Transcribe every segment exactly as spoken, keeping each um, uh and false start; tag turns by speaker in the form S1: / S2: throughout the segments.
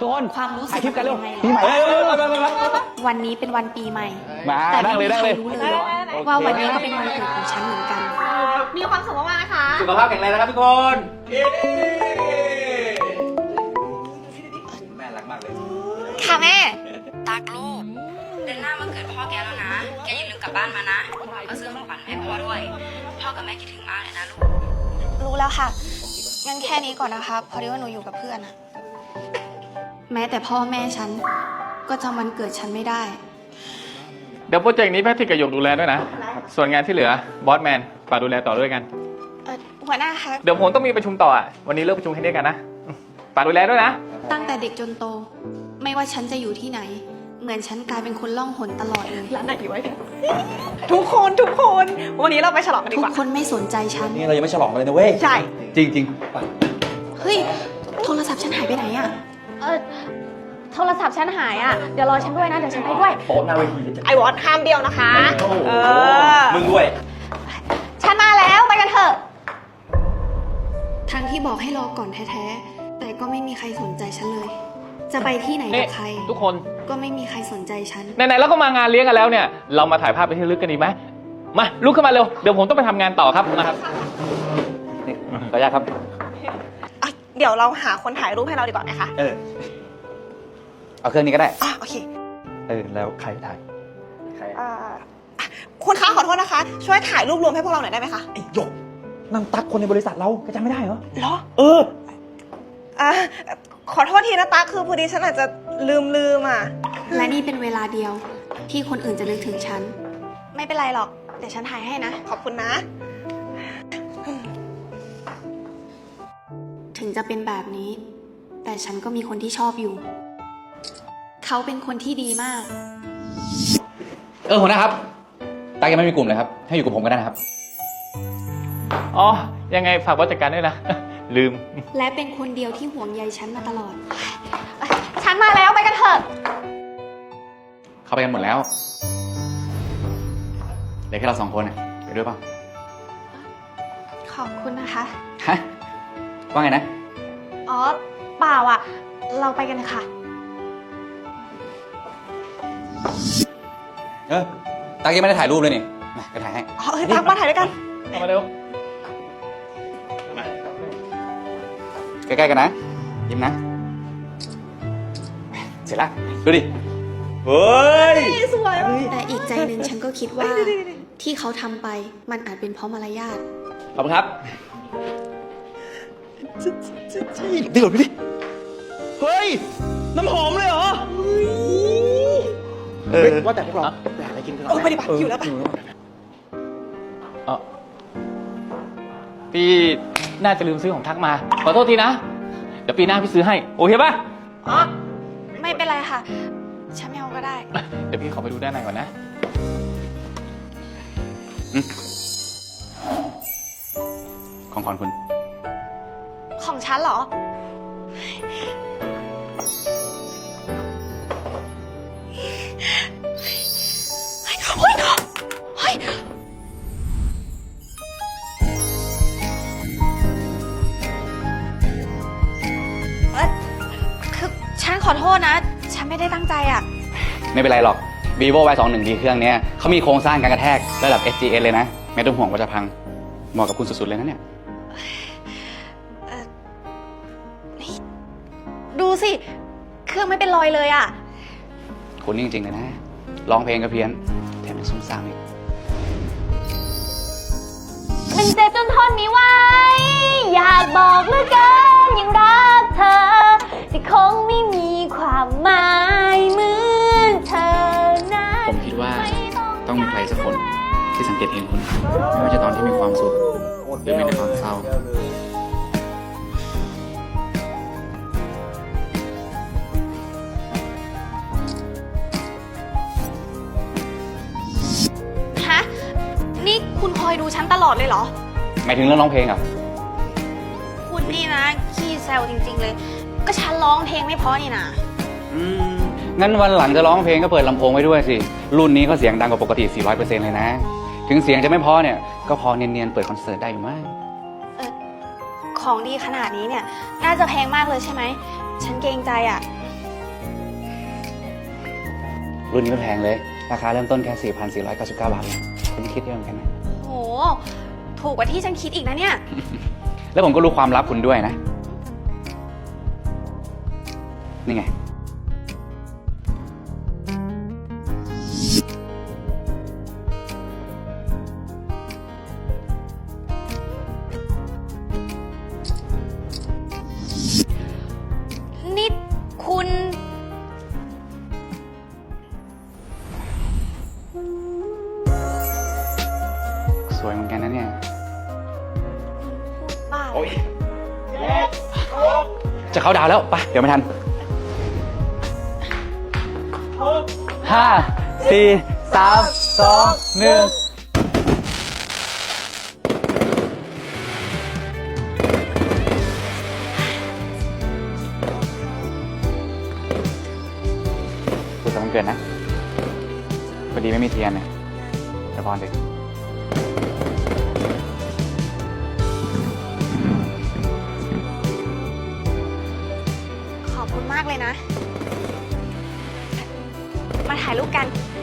S1: ทุกคน
S2: ความรู้สึก
S1: ถ่ายคลิปกันเร็ว
S2: เป็น
S1: ปี
S2: ยัง
S1: ให
S2: ไง
S1: ม่
S2: เหรอ
S1: เร็วเร็วเร็วเร็ว
S2: วันนี้เป็นวันปีใหม่
S1: มา
S2: แต่
S1: นั่
S2: ไม่
S1: งเลย
S2: มี
S1: นั่ง
S2: ใคร
S1: เลย
S2: รู้เลยว่าวันนี้ก็เป็นวันเกิดของฉันเหมือนกัน
S3: มีความสุขมากๆนะคะ
S4: สุขภาพแข็งแรงนะครับทุกคน แม่รักมากเลย
S3: ค่ะแม่
S2: ตากลูกเดือนหน้ามาเกิดพ่อแกแล้วนะ แกอย่าลืมกลับบ้านมานะเอาซื้อของขวัญให้พ่อด้วย พ่อกับแม่คิดถึงมากเลยนะลูก
S3: รู้แล้วค่ะ งั้นแค่นี้ก่อนนะคะ พอดีว่าหนูอยู่กับเพื่อนอะ
S2: แม้แต่พ่อแม่ฉันก็จำวันเกิดฉันไม่ได้
S5: เดี๋ยวโปรเจกต์นี้แพทริกกับหยกดูแลด้วยนะ ส่วนงานที่เหลือบอสแมนฝากดูแลต่อด้วยกัน
S3: เออหัวหน้าคะ
S5: เดี๋ยวผมต้องมีประชุมต่ออ่ะ วันนี้เลิกประชุมแค่นี้กันนะฝากดูแลด้วยนะ
S2: ตั้งแต่เด็กจนโต ไม่ว่าฉันจะอยู่ที่ไหน เหมือนฉันกลายเป็นคนล่องหนตลอดเลย
S3: ร้านไหนดีวะเนี่ยทุกคนทุกคน วันนี้เราไปฉลองกันดี
S2: ทุ
S3: ก
S2: ก
S3: ว่า
S2: คนไม่สนใจฉัน
S4: นี่เรายังไม่ฉลองกันเลยนะเว้ย
S3: ใช่
S4: จริงจริง
S2: เฮ้ย โทรศัพท์ฉันหายไปไหนอะ
S6: เออโทรศัพท์ฉันหายอ่ะ เดี๋ยวรอฉันด้วยนะ เดี๋ยวฉันไปด้วย
S4: โป๊ะหน้าเวทีจะ
S3: ไอวอตห้ามเดียวนะคะ เออ
S4: มึงด้วย
S6: ฉันมาแล้วไปกันเถอะ
S2: ทั้งที่บอกให้รอก่อนแท้ๆ แต่ก็ไม่มีใครสนใจฉันเลย จะไปที่ไหน
S5: นี่
S2: กับใคร
S5: ทุกคน
S2: ก็ไม่มีใครสนใจฉัน
S5: ไหนๆเราก็มางานเลี้ยงกันแล้วเนี่ย เรามาถ่ายภาพไปที่ลึกกันดีไหมมาลุกขึ้นมาเร็ว เดี๋ยวผมต้องไปทำงานต่อครับมาครับ
S4: นี่ขออนุญาตครับ
S3: อ่ะเดี๋ยวเราหาคนถ่ายรูปให้เราดีกว่าไหมคะ
S4: เออ เอาเครื่องนี้ก็ได้
S3: อ่ะโอเค
S4: เออ แล้วใครถ่าย ใคร
S3: อ่าอ่ะคุณคะขอโทษนะคะ ช่วยถ่ายรูปรวมให้พวกเราหน่อยได้ไหมคะ
S4: ไอ้หยกนั่งตักคนในบริษัทเราก็จำไม่ได้เหรอ
S3: เหรอ
S4: เออ
S3: อ่ะขอโทษทีนะตาคือพอดีฉันอาจจะลืมลืมอ่ะ
S2: และนี่เป็นเวลาเดียว ที่คนอื่นจะนึกถึงฉัน
S3: ไม่เป็นไรหรอก เดี๋ยวฉันถ่ายให้นะ ขอบคุณนะ
S2: ถึงจะเป็นแบบนี้ แต่ฉันก็มีคนที่ชอบอยู่ เขาเป็นคนที่ดีมาก
S4: เออหัวหน้าครับตักยังไม่มีกลุ่มเลยครับ ให้อยู่กับผมก็ได้นะครับ
S5: อ๋อ ยังไงฝากบอสจัดการด้วยนะ ลืม
S2: และเป็นคนเดียวที่ห่วงใยฉันมาตลอด
S6: ฉันมาแล้วไปกันเถอะ
S4: เข้าไปกันหมดแล้วเหลือแค่เราสองคนน่ะไปด้วยเปล่า
S3: ขอบคุณนะคะ
S4: ฮะ ว่าไงนะ
S3: อ๋อ เปล่าอ่ะ เราไปกันเลยค่ะ
S4: เออตักยังไม่ได้ถ่ายรูปเลยนี่มาไปถ่ายให้
S3: อ๋อเฮ้ยตักมาถ่ายด้วยกัน
S5: เข้ามาเร็ว
S4: ใกล้ๆกันนะ ยิ้มนะ เสร็จแล้ว ดูดิ เฮ้ย
S3: สวยว่ะ
S2: แต่อีกใจหนึ่งฉันก็คิดว่า ที่เขาทำไปมันอาจเป็นเพราะมารยาท
S4: ขอบคุณครับเดี๋ยวดูดิ เฮ้ย น้ำหอมเลยเหรอ เออ
S1: ว่าแต่พวกเราไปหาอะไรกินกันก่อน
S3: เออไปดิปะอยู่แล้วปะ
S5: เออพี่น่าจะลืมซื้อของทักมา ขอโทษทีนะ เดี๋ยวปีหน้าพี่ซื้อให้ โอเคป่ะ
S3: อ๋อ ไม่เป็นไรค่ะ ฉันไม่เอาก็ได้
S5: เดี๋ยวพี่ขอไปดูด้านในก่อนนะ
S4: ของขวัญคุณ
S3: ของฉันเหรอ เฮ้ย เฮ้ย เฮ้ย เอ้ยคือฉันขอโทษนะ ฉันไม่ได้ตั้งใจอ่ะ
S4: ไม่เป็นไรหรอก vivo วาย สองสิบเอ็ด ดี เครื่องเนี้ยเขามีโครงสร้างการกระแทกระดับ เอส จี เอส เลยนะ ไม่ต้องห่วงว่าจะพัง เหมาะกับคุณสุดๆเลยนะเนี่ย
S6: ดูสิ เครื่องไม่เป็นรอยเลยอ่ะ
S4: คุณนี่จริงๆเลยนะ ร้องเพลงก็เพี้ยน แถมยังซุ่มซ่ามอีก
S6: มันเจ็บจนทนไม่ไหวอยากบอกเหลือเกินยังรักเธอแต่คงไม่มีความหมายเหมือนเธอนั้น
S4: ผมคิดว่าต้องมีใครสักคนที่สังเกตเห็นคุณ ไม่ว่าจะตอนที่มีความสุข หรือแม้แต่ตอนเศร้า
S3: ฮะ นี่คุณคอยดูฉันตลอดเลยเหรอ
S4: หมายถึงเรื่องร้องเพลงอ่ะ
S3: คุณนี่นะ ขี้แซวจริง ๆ เลย ก็ฉันร้องเพลงไม่เพราะนี่นะ
S4: อืม งั้นวันหลังจะร้องเพลงก็เปิดลำโพงไว้ด้วยสิ รุ่นนี้เขาเสียงดังกว่าปกติ สี่ร้อยเปอร์เซ็นต์ เลยนะ ถึงเสียงจะไม่เพอเนี่ย ก็พอเนียนๆ เปิดคอนเสิร์ตได้อยู่มั้ง
S3: เออของดีขนาดนี้เนี่ย น่าจะแพงมากเลยใช่ไหม ฉันเกรงใจอ่ะ
S4: รุ่นนี้ไม่แพงเลย ราคาเริ่มต้นแค่ สี่พันสี่ร้อยเก้าสิบเก้า บาทเองคุณคิดเยอะเหมือนกันนะ
S3: โห ถูกกว่าที่ฉันคิดอีกนะเนี่ย
S4: แล้วผมก็รู้ความลับคุณด้วยนะ นี่ไง
S3: นี่คุณ
S4: สวยเหมือนกันนะเนี่ย
S3: บ้า
S4: โอ๊ย จะเข้าดาวแล้วไปเดี๋ยวไม่ทัน ห้า สี่ สาม สอง หนึ่ง สุดสัปดาห์วันเกิดนะพอดีไม่มีเทียนเนี่ยเดี๋ยวพรดิ
S3: ขอบคุณมากเลยนะ มาถ่ายรูปกัน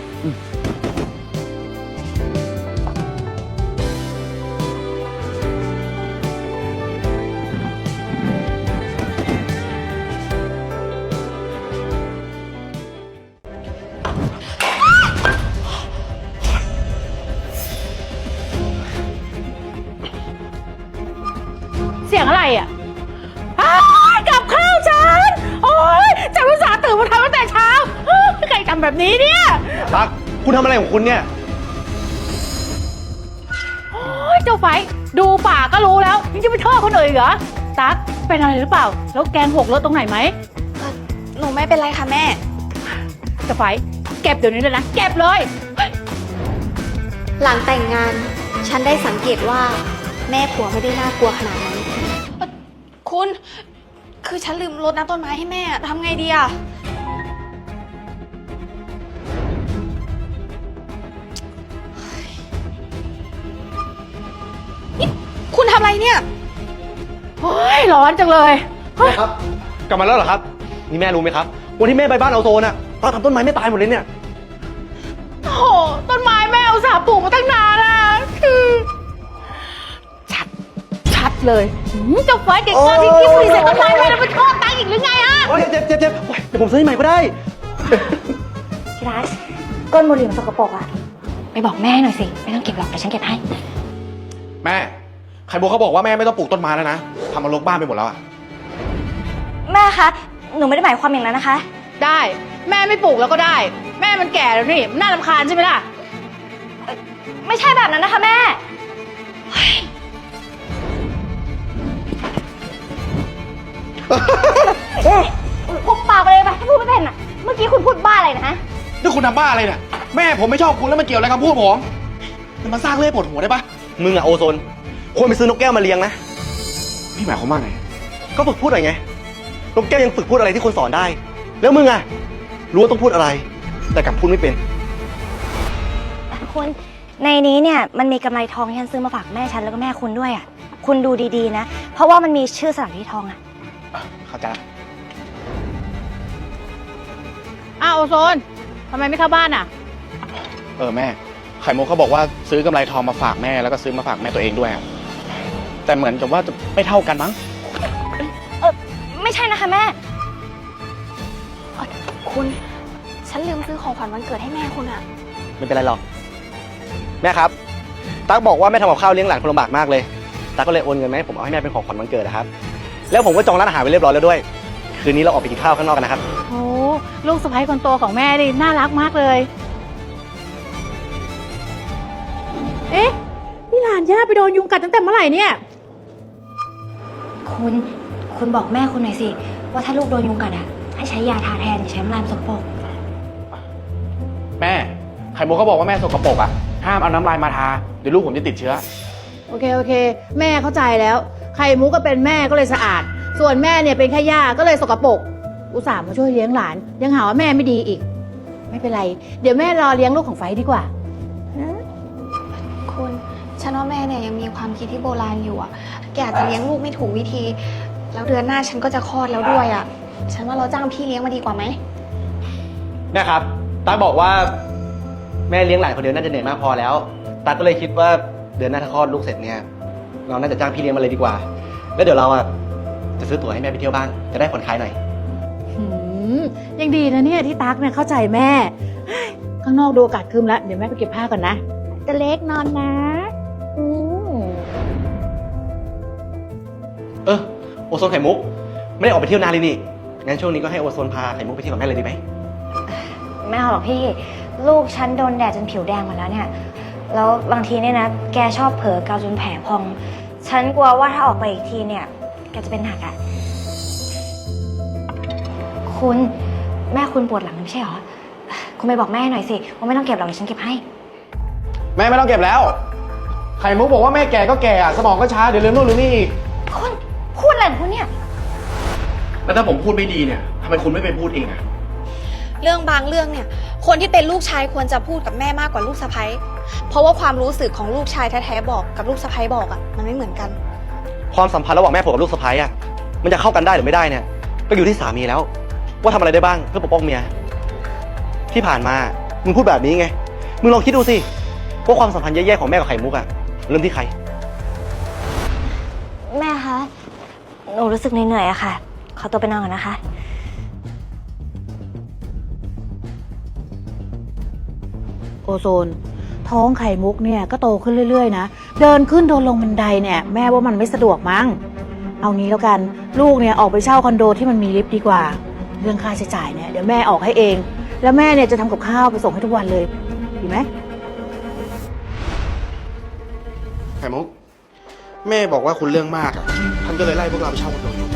S6: เสียงอะไรอ่ะอ้ายกับข้าวฉัน โอ้ยฉันอุตส่าห์ตื่นมาทำตั้งแต่เช้าเฮ้ยใครทำแบบนี้เนี่ย
S1: ตั๊กคุณทำอะไรของคุณเนี่ย
S6: โอ้ยเจ้าไฟดูป่ากก็รู้แล้วยังจะไปโทษคนอื่นอีกเหรอ ตั๊กเป็นอะไรหรือเปล่า แล้วแกงหกรถตรงไหนไหม
S3: หนูไม่เป็นไรค่ะแม่
S6: เจ้าไฟเก็บเดี๋ยวนี้เลยนะ เก็บเลยเฮ้ย
S3: หลังแต่งงาน ฉันได้สังเกตว่าแม่ผัวไม่ได้น่ากลัวขนาดนั้นเอ่อคุณ คือฉันลืมรดน้ำต้นไม้ให้แม่ทำไงดีอะนี่คุณทำอะไรเนี่ย
S6: โอ้ยร้อนจังเลยเฮ้ย
S1: ครับ กลับมาแล้วเหรอครับ นี่แม่รู้ไหมครับ วันที่แม่ไปบ้านเอาโซนอ่ะตอนทำต้นไม้ไม่ตายหมดเลยเนี่ย
S6: โอ้โหต้นไม้แม่อุตส่าห์ปลูกมาตั้งนานอะคือชัด ชัดเลยหืมเจ้าไฟเก่งมากที่คิดผลิตเสร็จต้นไม้แม่แล้วมันชอบตั้งอีกหรือไงอะ
S1: โอ้ยเจ็บเจ็บเจ็บโอ้ยเดี๋ยวผมซื้อให้ใหม่ก็ได้
S6: พี่รัชก้นบุหรี่มันสกปรกอะไปบอกแม่หน่อยสิ ไม่ต้องเก็บหรอกเดี๋ยวฉันเก็บให้
S1: แม่ไข่โบเขาบอกว่าแม่ไม่ต้องปลูกต้นไม้แล้วนะทำมันรกบ้านไปหมดแล้วอ่ะ
S7: แม่คะ หนูไม่ได้หมายความอย่างนั้นนะคะ
S6: ได้ แม่ไม่ปลูกแล้วก็ได้ แม่มันแก่แล้วนี่มันน่ารำคาญใช่ไหมล่ะ
S7: ไม่ใช่แบบนั้นนะคะแม่ เฮ้ยพกปากไปเลยไปถ้าพูดไม่เป็นอ่ะ เมื่อกี้คุณพูดบ้าอะไรนะฮะ
S1: นี่คุณทำบ้าอะไรเนี่ยแม่ผมไม่ชอบคุณแล้วมันเกี่ยวอะไรกับคำพูดผมมันมาสร้างเรื่องให้ปวดหัวได้ปะมึงอะโอโซนควรไปซื้อนกแก้วมาเลี้ยงนะพี่หมายความว่าไงก็ฝึกพูดหน่อยไงนกแก้วยังฝึกพูดอะไรที่คนสอนได้ แล้วมึงอะรู้ว่าต้องพูดอะไร แต่กลับพูดไม่เป็น
S7: คุณ ในนี้เนี่ยมันมีกำไรทองที่ฉันซื้อมาฝากแม่ฉันแล้วก็แม่คุณด้วยอ่ะ คุณดูดีๆนะ เพราะว่ามันมีชื่อสถานที่ทองอ่ะ
S1: เข้าใจละ
S6: อ้าวโอโซนทำไมไม่เข้าบ้านอ่ะ
S1: เออแม่ไข่มุกเขาบอกว่าซื้อกำไรทองมาฝากแม่แล้วก็ซื้อมาฝากแม่ตัวเองด้วยอะแต่เหมือนกับว่าจะไม่เท่ากันมั้ง
S7: เออไม่ใช่นะคะแม่
S3: คุณ ฉันลืมซื้อของขวัญวันเกิดให้แม่คุณอะ
S1: ไม่เป็นไรหรอกแม่ครับตั๊กบอกว่าแม่ทำกับข้าวเลี้ยงหลานคนลำบากมากเลยตั๊กก็เลยโอนเงินมาให้ผมเอาให้แม่เป็นของขวัญวันเกิดนะครับแล้วผมก็จองร้านอาหารไว้เรียบร้อยแล้วด้วยคืนนี้เราออกไปกินข้าวข้างนอกกันนะครับ
S6: โอ้ลูกสะใภ้คนโตของแม่นี่น่ารักมากเลย เอ๊ะ นี่หลานย่าไปโดนยุงกัดตั้งแต่เมื่อไหร่เนี่ย
S7: คุณ คุณบอกแม่คุณหน่อยสิ ว่าถ้าลูกโดนยุงกัดอ่ะ ให้ใช้ยาทาแทนอย่าใช้น้ำลายสกปรก
S1: แม่ไข่มุกเขาบอกว่าแม่สกปรกอ่ะห้ามเอาน้ำลายมาทาเดี๋ยวลูกผมจะติดเชื้อ
S6: โอเค โอเค แม่เข้าใจแล้ว ไข่มุกก็เป็นแม่ก็เลยสะอาด ส่วนแม่เนี่ยเป็นแค่ย่าก็เลยสกปรก อุตส่าห์มาช่วยเลี้ยงหลาน ยังหาว่าแม่ไม่ดีอีก ไม่เป็นไร เดี๋ยวแม่รอเลี้ยงลูกของไฟดีกว่า
S3: คุณ ฉันว่าแม่เนี่ยยังมีความคิดที่โบราณอยู่อะแกอาจจะเลี้ยงลูกไม่ถูกวิธี แล้วเดือนหน้าฉันก็จะคลอดแล้วด้วยอะฉันว่าเราจ้างพี่เลี้ยงมาดีกว่าไหม
S1: แม่ครับตาบอกว่าแม่เลี้ยงหลานคนเดียวน่าจะเหนื่อยมากพอแล้วตาก็เลยคิดว่าเดือนหน้าถ้าคลอดลูกเสร็จเนี่ยเราน่าจะจ้างพี่เลี้ยงมาเลยดีกว่า แล้วเดี๋ยวเราอ่ะจะซื้อตั๋วให้แม่ไปเที่ยวบ้างจะได้ผ่อนคลายหน่อย
S8: หืมยังดีนะเนี่ยที่ตั๊กเนี่ยเข้าใจแม่เฮ้ยข้างนอกดูอากาศครึมแล้วเดี๋ยวแม่ไปเก็บผ้าก่อนนะจะเล็กนอนนะอืม
S1: เออโอโซนไข่มุกไม่ได้ออกไปเที่ยวนานเลยนี่งั้นช่วงนี้ก็ให้โอโซนพาไข่มุกไปเที่ยวกับแม่เลยดีไหม
S7: ไม่เอาหรอกพี่ ลูกฉันโดนแดดจนผิวแดงหมาแล้วเนี่ย แล้วบางทีเนี่ยนะ แกชอบเผลอเกาจนแผลพอง ฉันกลัวว่าถ้าออกไปอีกทีเนี่ย แกจะเป็นหนักอะคุณแม่คุณปวดหลังไม่ใช่เหรอ คุณไปบอกแม่หน่อยสิว่าไม่ต้องเก็บหรอกเดี๋ยวฉันเก็บให้
S1: แม่ไม่ต้องเก็บแล้ว ไข่มุกบอกว่าแม่แก่ก็แก่อะสมองก็ช้าเดี๋ยวลืมนู่นลืมนี่อีก
S7: คุณพูดอะไรของคุณเนี่ย
S1: แล้วถ้าผมพูดไม่ดีเนี่ยทำไมคุณไม่ไปพูดเองอะ
S3: เรื่องบางเรื่องเนี่ย คนที่เป็นลูกชายควรจะพูดกับแม่มากกว่าลูกสะใภ้เพราะว่าความรู้สึกของลูกชายแท้ๆบอกกับลูกสะใภ้บอกอะมันไม่เหมือนกัน
S1: ความสัมพันธ์ระหว่างแม่ผมกับลูกสะใภ้อะมันจะเข้ากันได้หรือไม่ได้เนี่ยก็อยู่ที่สามีแล้ว ว่าทำอะไรได้บ้างเพื่อปกป้องเมียที่ผ่านมามึงพูดแบบนี้ไงมึงลองคิดดูสิว่าความสัมพันธ์แย่ๆของแม่กับไข่มุกอะเริ่มที่ใคร
S7: แม่คะ หนูรู้สึกเหนื่อยๆอะค่ะ ขอตัวไปนอนก่อนนะคะ
S8: โอโซน ท้องไข่มุกเนี่ยก็โตขึ้นเรื่อยๆนะเดินขึ้นเดินลงบันไดเนี่ยแม่ว่ามันไม่สะดวกมั้งเอางี้แล้วกันลูกเนี่ยออกไปเช่าคอนโดที่มันมีลิฟต์ดีกว่า เรื่องค่าใช้จ่ายเนี่ยเดี๋ยวแม่ออกให้เอง แล้วแม่เนี่ยจะทำกับข้าวไปส่งให้ทุกวันเลยดีไหม
S1: ไข่มุกแม่บอกว่าคุณเรื่องมากอะท่านก็เลยไล่พวกเราไปเช่าคอนโดอยู่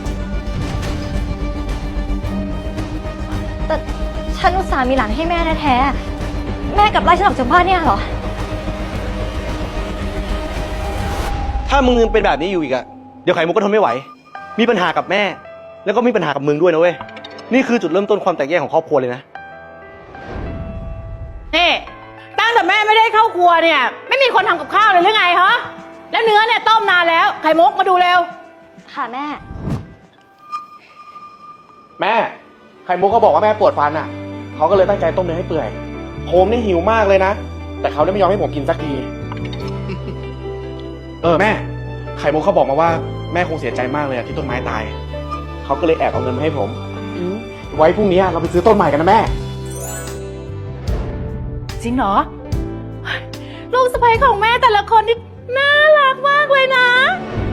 S7: แต่ฉันอุตส่าห์มีหลานให้แม่แท้ๆ แม่กลับไล่ฉันออกจากบ้านเนี่ยเหรอ
S1: ถ้ามึงยังเป็นแบบนี้อยู่อีกอะเดี๋ยวไข่มุกก็ทนไม่ไหว มีปัญหากับแม่ แล้วก็มีปัญหากับมึงด้วยนะเว้ยนี่คือจุดเริ่มต้นความแตกแยกของครอบครัวเลยนะ
S8: นี่ตั้งแต่แม่ไม่ได้เข้าครัวเนี่ยไม่มีคนทำกับข้าวเลยหรือไงฮะแล้วเนื้อเนี่ยต้มนานแล้วไข่มุกมาดูเร็ว
S7: ค่ะแม่
S1: แม่ไข่มุกเขาบอกว่าแม่ปวดฟันอ่ะเขาก็เลยตั้งใจต้มเนื้อให้เปื่อยผมนี่หิวมากเลยนะแต่เขาได้ไม่ยอมให้ผมกินสักที เออแม่ไข่มุกเขาบอกมาว่าแม่คงเสียใจมากเลยอะที่ต้นไม้ตายเขาก็เลยแอบเอาเงินมาให้ผมไว้พรุ่งนี้เราไปซื้อต้นใหม่กันนะแม่
S8: จริงเหรอลูกสะใภ้ของแม่แต่ละคนนี่น่ารักมากเลยนะ